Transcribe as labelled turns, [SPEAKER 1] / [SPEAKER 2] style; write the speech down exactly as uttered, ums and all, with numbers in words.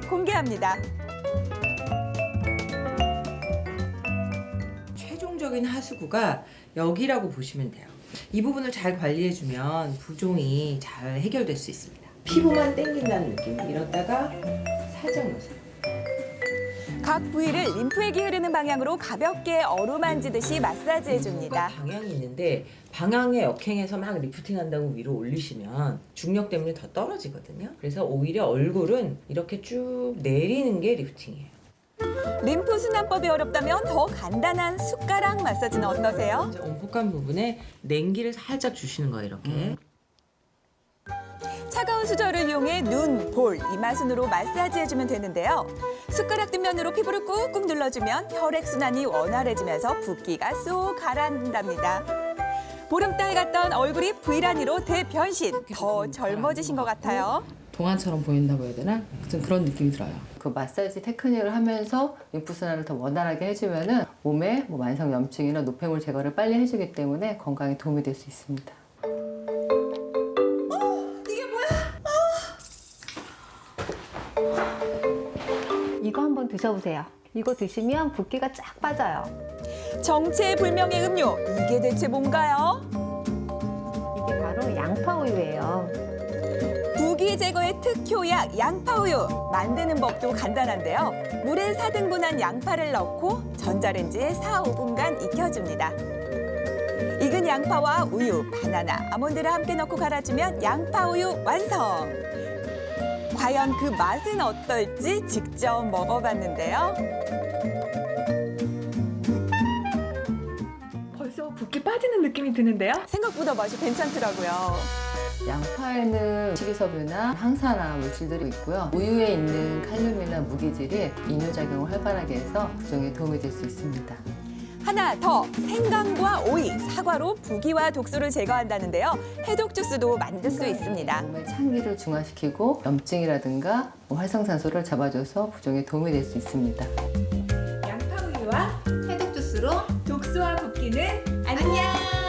[SPEAKER 1] 공개합니다.
[SPEAKER 2] 최종적인 하수구가 여기라고 보시면 돼요. 이 부분을 잘 관리해주면 부종이 잘 해결될 수 있습니다. 피부만 당긴다는 느낌. 이렇다가 살짝 놓으세요.
[SPEAKER 1] 각 부위를 림프액이 흐르는 방향으로 가볍게 어루만지듯이 마사지해줍니다.
[SPEAKER 2] 방향이 있는데 방향에 역행해서 막 리프팅한다고 위로 올리시면 중력 때문에 더 떨어지거든요. 그래서 오히려 얼굴은 이렇게 쭉 내리는 게 리프팅이에요.
[SPEAKER 1] 림프 순환법이 어렵다면 더 간단한 숟가락 마사지는 어떠세요?
[SPEAKER 2] 이제 온폭한 부분에 냉기를 살짝 주시는 거예요, 이렇게. 음.
[SPEAKER 1] 차가운 수저를 이용해 눈, 볼, 이마순으로 마사지해주면 되는데요. 숟가락 뒷면으로 피부를 꾹꾹 눌러주면 혈액순환이 원활해지면서 붓기가 쏙 가라앉는답니다. 보름달 같던 얼굴이 V라인으로 대변신! 더 젊어지신 것 같아요.
[SPEAKER 3] 동안처럼 보인다고 해야 되나? 좀 그런 느낌이 들어요. 그 마사지 테크닉을 하면서 림프순환을 더 원활하게 해주면은 몸에 뭐 만성 염증이나 노폐물 제거를 빨리 해주기 때문에 건강에 도움이 될 수 있습니다.
[SPEAKER 4] 이거 한번 드셔보세요. 이거 드시면 붓기가 쫙 빠져요.
[SPEAKER 1] 정체불명의 음료, 이게 대체 뭔가요?
[SPEAKER 4] 이게 바로 양파우유예요.
[SPEAKER 1] 부기 제거의 특효약 양파우유. 만드는 법도 간단한데요. 물에 사 등분한 양파를 넣고 전자레인지에 사, 오 분간 익혀줍니다. 익은 양파와 우유, 바나나, 아몬드를 함께 넣고 갈아주면 양파우유 완성! 과연 그 맛은 어떨지 직접 먹어봤는데요.
[SPEAKER 5] 벌써 붓기 빠지는 느낌이 드는데요?
[SPEAKER 1] 생각보다 맛이 괜찮더라고요.
[SPEAKER 3] 양파에는 식이섬유나 항산화 물질들이 있고요. 우유에 있는 칼륨이나 무기질이 이뇨작용을 활발하게 해서 부종에 도움이 될 수 있습니다.
[SPEAKER 1] 하나 더, 생강과 오이, 사과로 부기와 독소를 제거한다는데요. 해독 주스도 만들 수 있습니다.
[SPEAKER 3] 몸의 창기를 중화시키고 염증이라든가 활성산소를 잡아줘서 부종에 도움이 될 수 있습니다.
[SPEAKER 5] 양파우유와
[SPEAKER 6] 해독 주스로
[SPEAKER 5] 독소와 붓기는 안녕!